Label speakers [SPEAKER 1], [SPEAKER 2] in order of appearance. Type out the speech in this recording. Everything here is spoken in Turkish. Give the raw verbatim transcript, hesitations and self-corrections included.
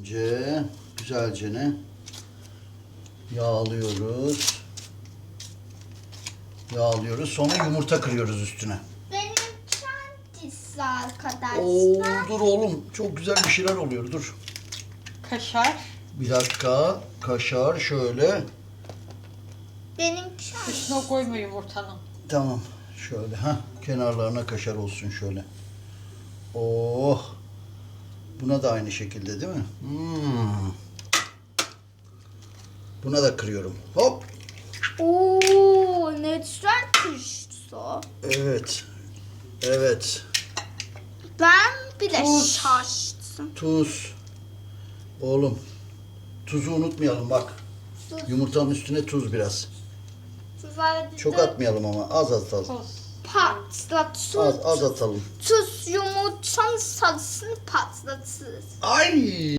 [SPEAKER 1] Önce güzelce ne? Yağlıyoruz. Yağlıyoruz. Sonra yumurta kırıyoruz üstüne.
[SPEAKER 2] Benim kendisi arkadaşlar.
[SPEAKER 1] Oo, dur oğlum. Çok güzel bir şeyler oluyor. Dur.
[SPEAKER 3] Kaşar.
[SPEAKER 1] Bir dakika. Kaşar şöyle.
[SPEAKER 2] Benim kendisi.
[SPEAKER 3] Dışına koyma yumurtanın.
[SPEAKER 1] Tamam. Şöyle. Ha, kenarlarına kaşar olsun şöyle. Oh. Buna da aynı şekilde değil mi? Hmm. Buna da kırıyorum. Hop.
[SPEAKER 2] Oo, ne güzel kuştu.
[SPEAKER 1] Evet. Evet.
[SPEAKER 2] Ben bile
[SPEAKER 3] Tuz.
[SPEAKER 2] şaştım.
[SPEAKER 1] Tuz. Oğlum. Tuzu unutmayalım bak.
[SPEAKER 2] Tuz.
[SPEAKER 1] Yumurtanın üstüne tuz biraz.
[SPEAKER 2] Tuzlar
[SPEAKER 1] Çok atmayalım ama az atalım.
[SPEAKER 3] Tuz.
[SPEAKER 2] patlat.
[SPEAKER 1] Az az atalım.
[SPEAKER 2] Tuz yumurtanın sarısını patlatır.
[SPEAKER 1] Ay!